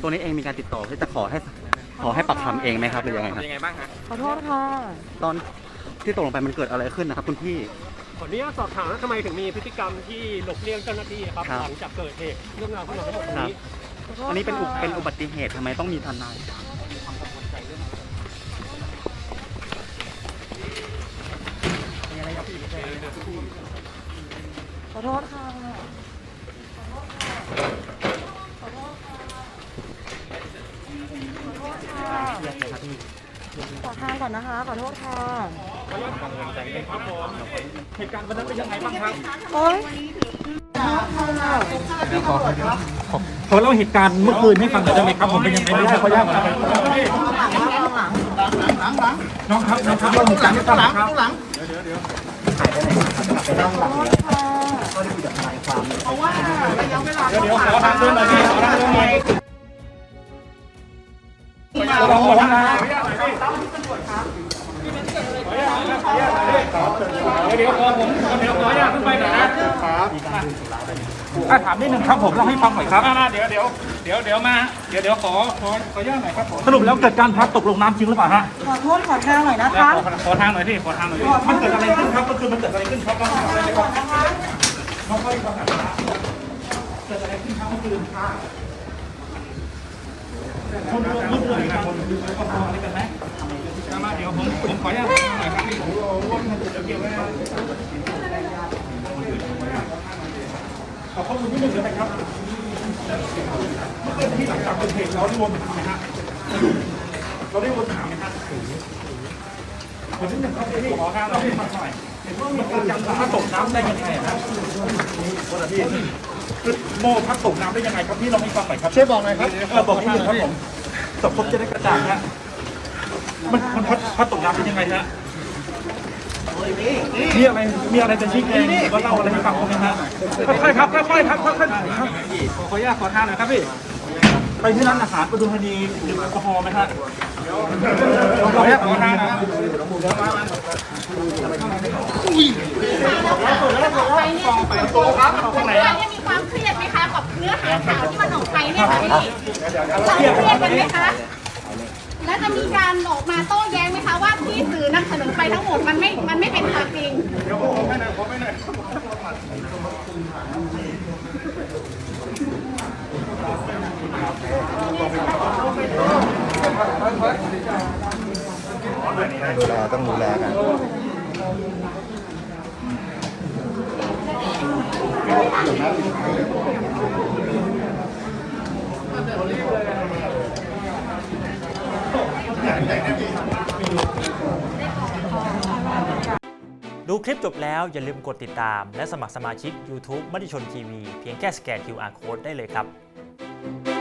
ตัวนี้เองมีการติดต่อที่จะขอให้ปักคำเองไหมครับหรือยังไงครับยังไงบ้างฮะขอโทษค่ะตอนที่ตกลงไปมันเกิดอะไรขึ้นนะครับคุณพี่ขออนุญาตสอบถามว่าทำไมถึงมีพฤติกรรมที่หลบเลี่ยงเจ้าหน้าที่ครับครับหลังจากเกิดเหตุเรื่องราวทั้งหมดตรงนี้อันนี้เป็นอุบัติเหตุทำไมต้องมีทนายขอโทษค่ะขอโทษค่ะขอทางก่อนนะคะขอโทษค่ะเหตุการณ์วันนั้นเป็นยังไงบ้างครับโอ๊ยขอเล่าเหตุการณ์เมื่อคืนให้ฟังหน่อยได้ไหมครับผมเป็นยังไงบ้างขออนุญาตน้องครับเล่าเหตุการณ์ให้ฟังหน่อยครับ เดี๋ยวขอทางเดินหน่อยพี่ขอทางเดินหน่อยลองนะเดี๋ยวขออนุญาตขึ้นไปหน่อยนะครับถามนิดนึงครับผมเล่าให้ฟังหน่อยครับเดี๋ยวขออนุญาตหน่อยครับสรุปแล้วเกิดการพลัดตกลงน้ำจริงหรือเปล่าฮะขอโทษขอทางหน่อยนะคะขอทางหน่อยพี่ขอทางหน่อยมันเกิดอะไรขึ้นครับมันเกิดอะไรขึ้นครับน้องค่อยฟังหน่อยครับเกิดอะไรขึ้นครับเมื่อคืนค่ะคนร่วมเลยครับคนก็พออะไรกันไหมมาเดี๋ยวผมขออนุญาตหน่อยครับพี่เกี่ยวไว้ขอข้อมูลนิดนึงได้ไหมครับเมื่อคืนที่หลังจากเกิดเหตุเราได้วนถามไหมฮะเราได้วนถามไหมฮะคนที่หนึ่งเขาไปที่ขอข้างเราให้ฟังหน่อยเห็นว่ามีการจำพัดตกน้ำได้ยังไงครับโมพัดตกน้ำได้ยังไงครับพี่เราให้ฟังหน่อยครับช่วยบอกหน่อยครับบอกนิดนึงครับผมสังคมจะได้กระจ่างฮะมันพัดตกน้ำได้ยังไงฮะมีอะไรจะชี้แจงว่าเล่าอะไรให้ฟังไหมฮะค่อยๆครับค่อยๆครับขออนุญาตขอทางหน่อยครับพี่ไปที่ร้านอาหารประตูธานีดื่มแอลกอฮอล์ไหมฮะขออนุญาตขอทางนะไปเนี่ยมีความเครียดไหมคะกับเนื้อหาข่าวที่มันออกไปเนี่ยค่ะพี่เราเครียดกันไหมคะแล้วจะมีการออกมาโต้แย้งไหมคะว่าที่สื่อนำเสนอไปทั้งหมดมันไม่เป็นความจริงต้องดูแลกันดูคลิปจบแล้วอย่าลืมกดติดตามและสมัครสมาชิก YouTube มติชนทีวีเพียงแค่สแกน QR Code ได้เลยครับ